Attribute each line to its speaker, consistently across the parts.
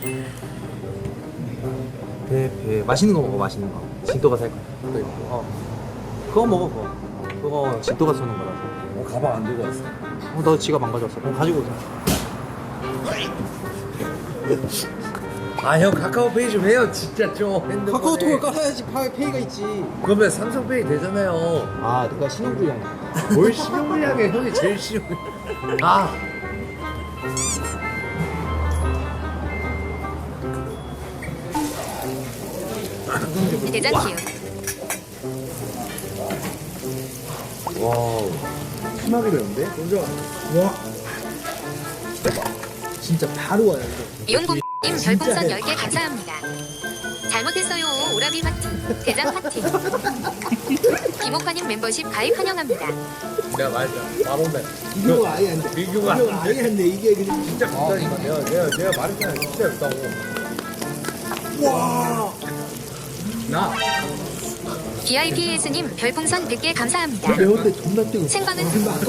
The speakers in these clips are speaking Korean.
Speaker 1: 배 맛있는 거 먹어. 맛있는 거. 진또가 살 거야. 그거 먹어. 그거 진또가 쏘는 거라서.
Speaker 2: 가방 안 들고 왔어.
Speaker 1: 너 지갑 안 가져왔어. 그럼 가지고 오자.
Speaker 2: 아 형 카카오페이 좀 해요 진짜 좀. 핸드폰에.
Speaker 1: 카카오톡을 깔아야지 페이가 있지.
Speaker 2: 그러면 삼성페이 되잖아요.
Speaker 1: 아, 내가 신용불량이야.
Speaker 2: 뭘 신용불량해. 형이 제일 신용. 아
Speaker 3: 대전 키우.
Speaker 2: 와우. 심하게 되는데? 먼저
Speaker 1: 와. 진짜 바로 와요, 이거.
Speaker 3: 이용고님 별풍선 10개 감사합니다. 잘못했어요. 오라비 파티. 대장 파티. 김옥환님 멤버십 가입 환영합니다.
Speaker 2: 내가 말했잖아. 바로맨.
Speaker 1: 비교가 아예 안 돼.
Speaker 2: 비교가
Speaker 1: 아예 안 돼. 이게 그냥
Speaker 2: 진짜 비싸니까 내가 말했잖아. 진짜 비싸고.
Speaker 1: 와.
Speaker 2: 나
Speaker 3: BIPS님 별풍선 100개 감사합니다.
Speaker 1: 매울 때 존나 뜨고.
Speaker 3: 생방은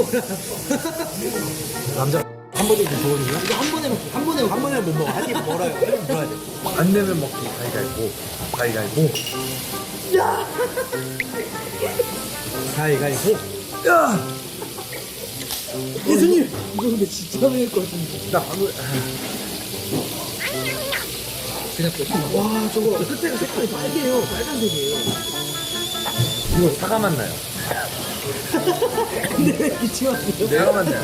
Speaker 1: 남자 한 번에 좋거든요. 이거 한 번에 못 먹어. 한입 멀어요. 한입 먹어야 돼.
Speaker 2: 안 내면 먹기 가위가위보.
Speaker 1: 가위가위보.
Speaker 2: 야!
Speaker 1: 예수님, 이거 근데 진짜 매울 것 같은데.
Speaker 2: 나 방금
Speaker 1: 그냥 와, 저거 끝에가 색깔이 빨개요. 빨간색이에요.
Speaker 2: 이거 사과 맛 나요.
Speaker 1: 근데 왜 기침하세요?
Speaker 2: 내가 맛나요.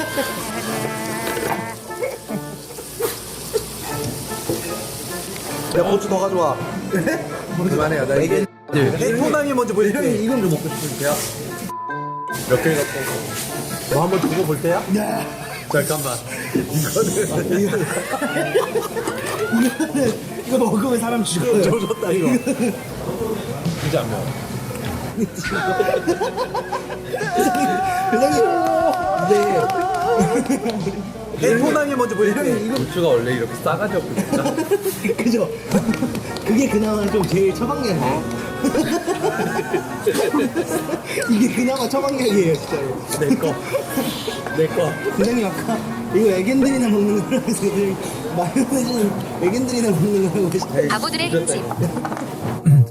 Speaker 1: 내가 고추 더 가져와.
Speaker 2: 그만해요. 나 이게
Speaker 1: 해포남이 먼저 보여줄게.
Speaker 2: 이건 좀 먹고 싶은데요. 몇 개 갖고
Speaker 1: 너 한번 두고 볼 때야?
Speaker 2: 잠깐만.
Speaker 1: 이거 먹으면 사람 죽어요. 조졌다 이거.
Speaker 2: 진짜 안 매워.
Speaker 1: 네. 해포남이 먼저 보여줄게.
Speaker 2: 고추가 원래 이렇게 싸가지 없고 진짜.
Speaker 4: 그죠? 그게 그나마 좀 제일 처방약이에요. 이게 그나마 처방약이에요, 진짜로.
Speaker 2: 내 거.
Speaker 4: 부장님 아까 이거 애견들이나 먹는 거라면서 마요네즈는 애견들이나 먹는 거라고 하시더라고요.
Speaker 3: 바보들의 흠집.